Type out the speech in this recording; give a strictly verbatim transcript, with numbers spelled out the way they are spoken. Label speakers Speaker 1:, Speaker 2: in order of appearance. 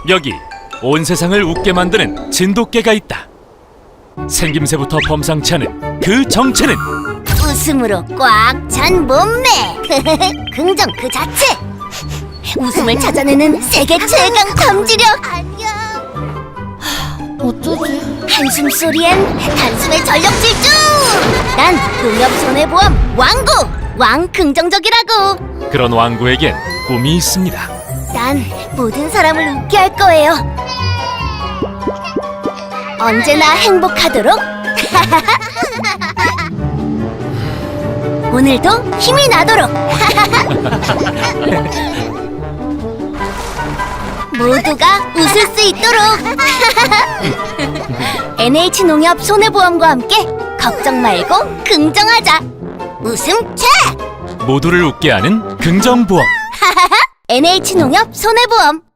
Speaker 1: 여기 온 세상을 웃게 만드는 진돗개가 있다. 생김새부터 범상치 않은 그 정체는
Speaker 2: 웃음으로 꽉 찬 몸매. 긍정 그 자체. 웃음을 찾아내는 세계 최강 탐지력.
Speaker 3: 어쩌지?
Speaker 2: 한숨 소리엔 단숨에 전력 질주. 난 농협 손해보험 왕구 왕 긍정적이라고.
Speaker 1: 그런 왕구에겐 꿈이 있습니다.
Speaker 2: 난 모든 사람을 웃게 할 거예요. 언제나 행복하도록. 오늘도 힘이 나도록. 모두가 웃을 수 있도록. 엔에이치농협 손해보험과 함께 걱정 말고 긍정하자. 웃음 채!
Speaker 1: 모두를 웃게 하는 긍정보험.
Speaker 2: 엔에이치농협 손해보험.